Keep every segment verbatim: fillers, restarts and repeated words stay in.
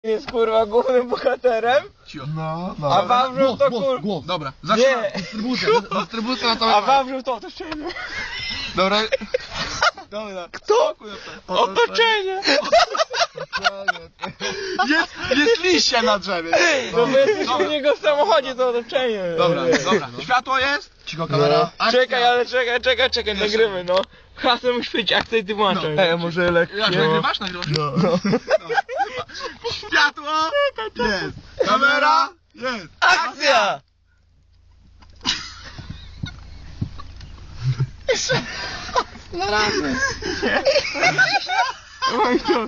jest kurwa głównym bohaterem, no, no. a Wawrzyk to kurwa... Dobra, zaczynamy. Dystrybucja, dystrybucja na całe... A Wawrzyk to otoczenie. Dobra. Dobra. Kto? Otoczenie. Jest, jest liście na drzewie. No my jesteśmy u niego w samochodzie, to otoczenie. Dobra, dobra. Światło jest? Cicho, kamera. No. Czekaj, ale czekaj, czekaj, czekaj, nagrywaj, no. Hasem musi być akcja i ty włączaj. No. Ej, może lekko. Jak nagrywasz? Nagrywasz? No. No. Światło! Jest. Kamera! Jest. Akcja! Na razie. Oj, to...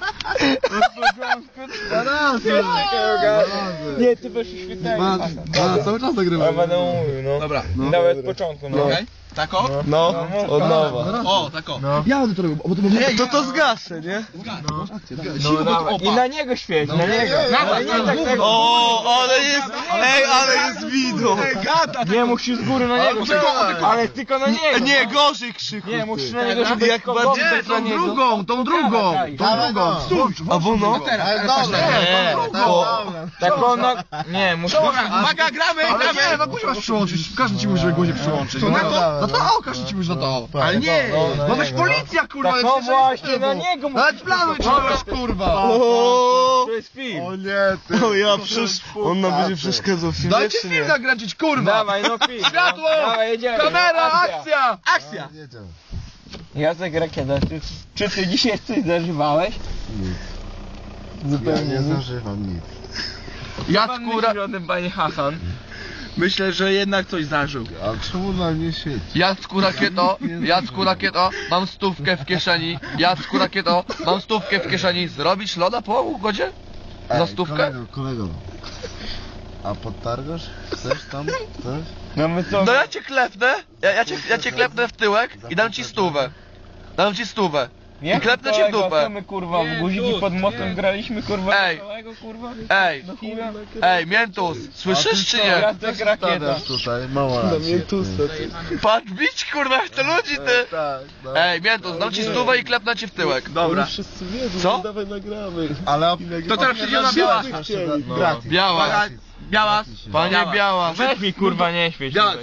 Na razie. Nie, ty weź świetnie. Cały czas nagrywam. Ja będę mówił, no. Dobra. Nawet od początku, no. Okej. Tako? No, od nowa. O, tako. Ja będę to robił, bo to mówię... To to zgaszę, nie? No, No, dawaj. I na niego świeć, na niego. Ale nie tak tego. O, ale jest... Ej, ale jest widok! Nie, musisz z góry na niego. Ale tylko na niego. Nie, gorzej krzyku. Nie, musisz na niego, żeby Jak tylko bardziej dobrze tą dla niego. drugą, tą drugą, tą drugą. A wono? Nie, tak ono... Nie, musisz... Uwaga, gramy, Ale gramy! nie, no musi masz przyłączyć, każdy ci mówi, że go nie przyłączyć. To na to? No to, każdy ci mówi, że to. Ale nie! No weź policja, kurwa, Tak, no właśnie, na niego ale musisz... planuj ci weź, kurwa. To jest film. O nie, ty. O ja przecież, on nam będzie przeszkadzał w filmie, Dajcie czy film nie? nagręcić, kurwa! Dawaj, no film. Światło! Dawaj, jedziemy. Kamera, Akcja. akcja! Akcja! Jacek Rakieta, czy, czy ty dzisiaj coś zażywałeś? Zupełnie nie zażywam nic. Jacku, o tym, panie Hasan? Myślę, że jednak coś zażył. A czemu na mnie świeci? Jacku Rakieto, Jacku Rakieto, mam stówkę w kieszeni. Jacku Rakieto, mam stówkę w kieszeni. Zrobisz loda po ugodzie? Za stówkę? Kolego, kolego. A podtargasz? Chcesz tam? Coś? No my co? No ja cię klepnę, ja, ja, cię, ja cię klepnę w tyłek i dam ci stówę. Dam ci stówę. I klepnę cię w dupę. My kurwa w guziki pod mostem graliśmy kurwa Ej. całego kurwa. Ej, Do chuja. ej, Miętus, słyszysz czy nie? Jacek Rakieta. Stawiasz tutaj, mała racja. Patrz, bić kurwa, chcę ludzi ty. Tak, no. Ej, Miętus, dam ci stówę i klepnę ci w tyłek. Dobra. Wszyscy wiedzą, Co? no dawaj nagramy. Ale... To teraz przyjdzie na Białas. Białas. Białas. Białas. Panie Białas. Weź mi kurwa nie świeć. Białas.